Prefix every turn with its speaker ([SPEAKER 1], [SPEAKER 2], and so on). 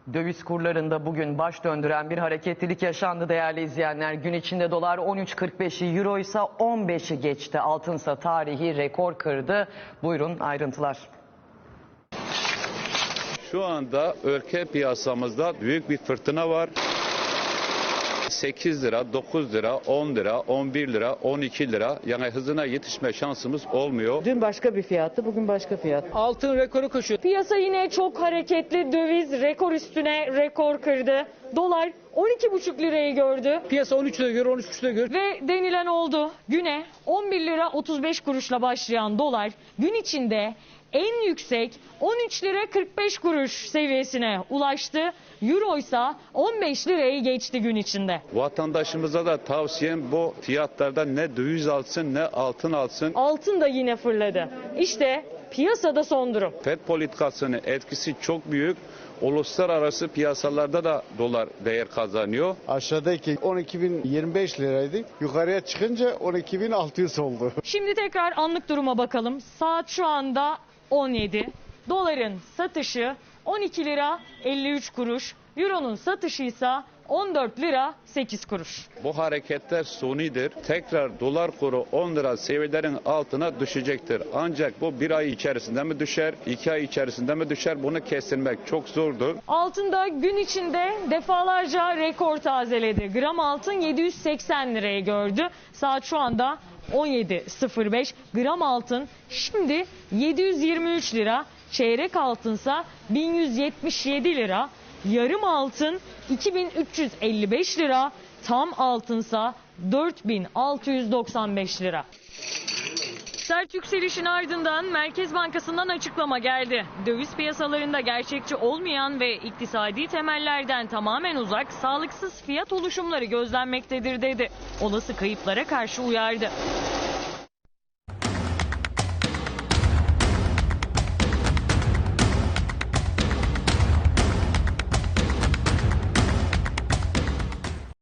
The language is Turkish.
[SPEAKER 1] Döviz kurlarında bugün baş döndüren bir hareketlilik yaşandı değerli izleyenler. Gün içinde dolar 13.45'i, euro ise 15'i geçti. Altınsa tarihi rekor kırdı. Buyurun ayrıntılar.
[SPEAKER 2] Şu anda ülke piyasamızda büyük bir fırtına var. 8 lira, 9 lira, 10 lira, 11 lira, 12 lira, yani hızına yetişme şansımız olmuyor.
[SPEAKER 3] Dün başka bir fiyattı, bugün başka fiyat.
[SPEAKER 4] Altın rekoru koşuyor.
[SPEAKER 5] Piyasa yine çok hareketli. Döviz rekor üstüne rekor kırdı. Dolar 12,5 lirayı gördü.
[SPEAKER 4] Piyasa 13 lira görüyor, 13,5 lira görüyor.
[SPEAKER 5] Ve denilen oldu. Güne 11 lira 35 kuruşla başlayan dolar gün içinde en yüksek 13 lira 45 kuruş seviyesine ulaştı. Euro ise 15 lirayı geçti gün içinde.
[SPEAKER 2] Vatandaşımıza da tavsiyem bu fiyatlarda ne döviz alsın ne altın alsın.
[SPEAKER 5] Altın da yine fırladı. İşte piyasada son durum.
[SPEAKER 2] FED politikasının etkisi çok büyük. Uluslararası piyasalarda da dolar değer kazanıyor.
[SPEAKER 6] Aşağıdaki 12.025 liraydı. Yukarıya çıkınca 12.600 oldu.
[SPEAKER 5] Şimdi tekrar anlık duruma bakalım. Saat şu anda 17. Doların satışı 12 lira 53 kuruş. Euro'nun satışı ise 14 lira 8 kuruş.
[SPEAKER 2] Bu hareketler sunidir. Tekrar dolar kuru 10 lira seviyelerin altına düşecektir. Ancak bu bir ay içerisinde mi düşer, 2 ay içerisinde mi düşer, bunu kestirmek çok zordur.
[SPEAKER 5] Altında gün içinde defalarca rekor tazeledi. Gram altın 780 lirayı gördü. Saat şu anda 17.05. Gram altın şimdi 723 lira. Çeyrek altınsa 1177 lira. Yarım altın 2355 lira. Tam altınsa 4695 lira. Sert yükselişin ardından Merkez Bankası'ndan açıklama geldi. Döviz piyasalarında gerçekçi olmayan ve iktisadi temellerden tamamen uzak, sağlıksız fiyat oluşumları gözlenmektedir dedi. Olası kayıplara karşı uyardı.